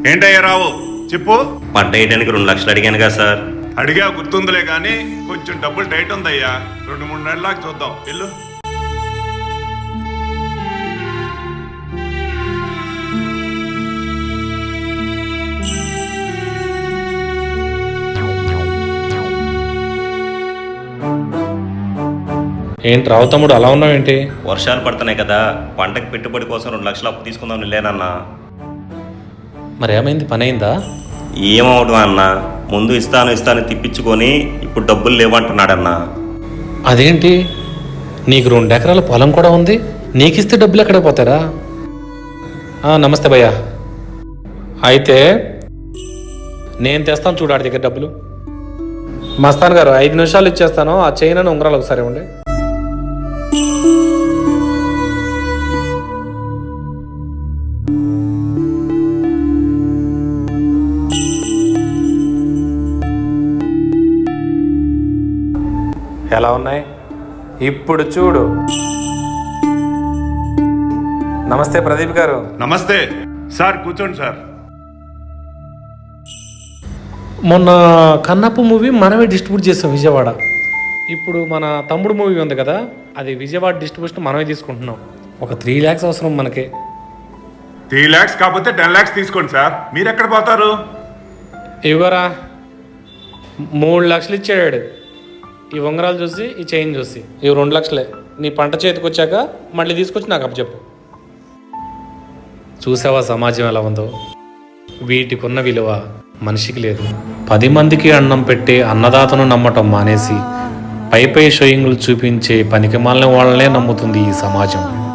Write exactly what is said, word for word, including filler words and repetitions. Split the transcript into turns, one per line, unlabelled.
ఏంటయ్యా రావు చెప్పు.
పంట వేయడానికి రెండు లక్షలు అడిగాను కదా సార్.
అడిగా గుర్తుందిలే కానీ కొంచెం డబ్బులు టైట్ ఉందయ్యా. రెండు మూడు నెలలకు చూద్దాం వెళ్ళు.
ఏంటి రావు తమ్ముడు అలా ఉన్నావేంటి?
వర్షాలు పడుతున్నాయి కదా, పంటకు పెట్టుబడి కోసం రెండు లక్షలు అప్పు తీసుకుందాం లేనన్నా.
మరి ఏమైంది, పని అయిందా?
ఏమవడం అన్న, ముందు ఇస్తాను ఇస్తాను తిప్పించుకొని ఇప్పుడు డబ్బులు లేవంటున్నాడన్నా.
అదేంటి, నీకు రెండు ఎకరాల పొలం కూడా ఉంది, నీకు ఇస్తే డబ్బులు ఎక్కడ పోతారా? నమస్తే భయ్యా. అయితే నేను తెస్తాను చూడు ఆడి దగ్గర డబ్బులు. మస్తాన్ గారు ఐదు నిమిషాలు ఇచ్చేస్తాను, ఆ చైన్ అని ఉంగరాలు ఒకసారి ఇవ్వండి. ఎలా ఉన్నాయి ఇప్పుడు చూడు. నమస్తే ప్రదీప్ గారు.
నమస్తే సార్, కూర్చోండి సార్.
మొన్న కన్నప్ప మూవీ మనమే డిస్ట్రిబ్యూట్ చేసాం విజయవాడ. ఇప్పుడు మన తమ్ముడు మూవీ ఉంది కదా, అది విజయవాడ డిస్ట్రిబ్యూషన్ మనమే తీసుకుంటున్నాం. ఒక త్రీ ల్యాక్స్ అవసరం మనకి.
త్రీ ల్యాక్స్ కాకపోతే టెన్ ల్యాక్స్ తీసుకోండి సార్. మీరు ఎక్కడ పోతారు?
ఇవ్వరా, మూడు లక్షలు ఇచ్చాడు. ఈ ఉంగరాలు చూసి ఈ చైన్ చూసి ఇవి రెండు లక్షలే. నీ పంట చేతికి వచ్చాక మళ్ళీ తీసుకొచ్చి నాకు అప్పచెప్పు. చూసావా సమాజం ఎలా ఉందో? వీటికి ఉన్న విలువ మనిషికి లేదు. పది మందికి అన్నం పెట్టే అన్నదాతను నమ్మటం మానేసి పై పై షోయింగ్లు చూపించే పనికిమాలిన వాళ్ళనే నమ్ముతుంది ఈ సమాజం.